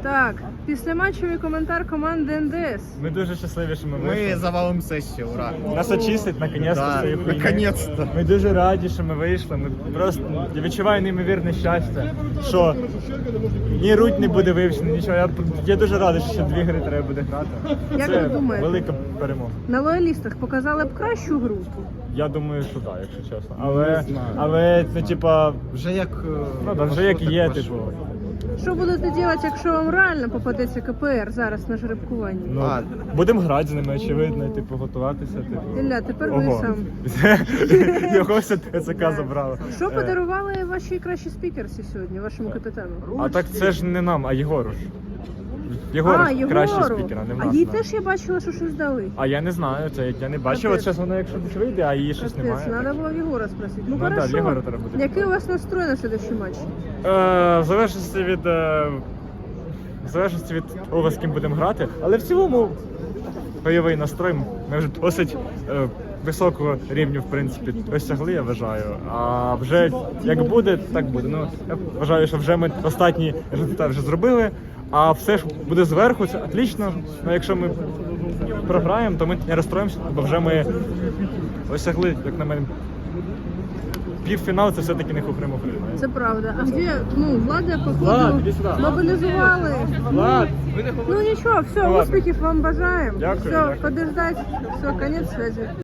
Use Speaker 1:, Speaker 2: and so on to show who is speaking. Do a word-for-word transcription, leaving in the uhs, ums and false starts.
Speaker 1: Так, післяматчевий коментар команди ен де ес.
Speaker 2: Ми дуже щасливі, що ми
Speaker 3: Ми
Speaker 2: вийшли.
Speaker 3: завалимо сесію, ура!
Speaker 2: Нас очистить, наконець-то,
Speaker 3: Да,
Speaker 2: цієї хуйні.
Speaker 3: наконець-то.
Speaker 2: Ми дуже раді, що ми вийшли. Ми просто, я відчуваю неймовірне щастя, що ні руть не буде вивчена, нічого. Я, я дуже радий, що ще дві гри треба буде грати.
Speaker 1: Як
Speaker 2: Це
Speaker 1: ви думаєте?
Speaker 2: велика перемога.
Speaker 1: На лоялістах показали б кращу гру.
Speaker 2: Я думаю, що так, якщо чесно. Але,
Speaker 3: знаю.
Speaker 2: але ну, типа,
Speaker 3: Вже як... е,
Speaker 2: ну, да, вже як
Speaker 3: пошло,
Speaker 2: є,
Speaker 3: так
Speaker 2: типу.
Speaker 3: пошло.
Speaker 1: Що будете робити, якщо вам реально попадеться ка пе ер зараз на жеребкуванні?
Speaker 2: Ну,
Speaker 3: А.
Speaker 2: будемо грати з ними, очевидно, типу, готуватися. Типу.
Speaker 1: Ілля, тепер ви
Speaker 2: Ого.
Speaker 1: сам.
Speaker 2: Його все ТЦК забрало.
Speaker 1: Що
Speaker 2: Е,
Speaker 1: подарували ваші кращі спікерці сьогодні, вашому капітану?
Speaker 2: А так це ж не нам, а Єгору ж. Єгору
Speaker 1: а,
Speaker 2: ж кращий
Speaker 1: Єгору.
Speaker 2: спікер, а не в
Speaker 1: А
Speaker 2: нас.
Speaker 1: їй
Speaker 2: да.
Speaker 1: теж я бачила, що щось дали.
Speaker 2: А я не знаю, це я не бачив. От
Speaker 1: Капець.
Speaker 2: зараз вона якщо десь вийде, а її щось
Speaker 1: Капець,
Speaker 2: немає.
Speaker 1: треба було в Єгора спросити. Ну,
Speaker 2: Ну, да,
Speaker 1: хорошо.
Speaker 2: в Єгора треба буде.
Speaker 1: Який у вас настрой на следующий матч?
Speaker 2: Е, в залежності від е, в залежності від того, з ким будемо грати, але в цілому бойовий настрой ми вже досить е, високого рівню, в принципі, досягли, я вважаю. А вже як буде, так буде. Ну, я вважаю, що вже ми останній результат вже зробили, а все ж буде зверху, це отлично. Ну, якщо ми програємо, то ми не розстроїмося, бо вже ми досягли, як на мене, півфінал це все-таки не хухри-мухри.
Speaker 1: Це правда. А де, ну, Влада,
Speaker 2: Влад,
Speaker 1: походу,
Speaker 2: іди сюди.
Speaker 1: мобілізували.
Speaker 2: Влад!
Speaker 1: Ну нічого, все,
Speaker 2: Ну, ладно.
Speaker 1: успіхів вам бажаємо.
Speaker 2: Дякую,
Speaker 1: Все,
Speaker 2: дякую.
Speaker 1: подождать. Все, конець связи.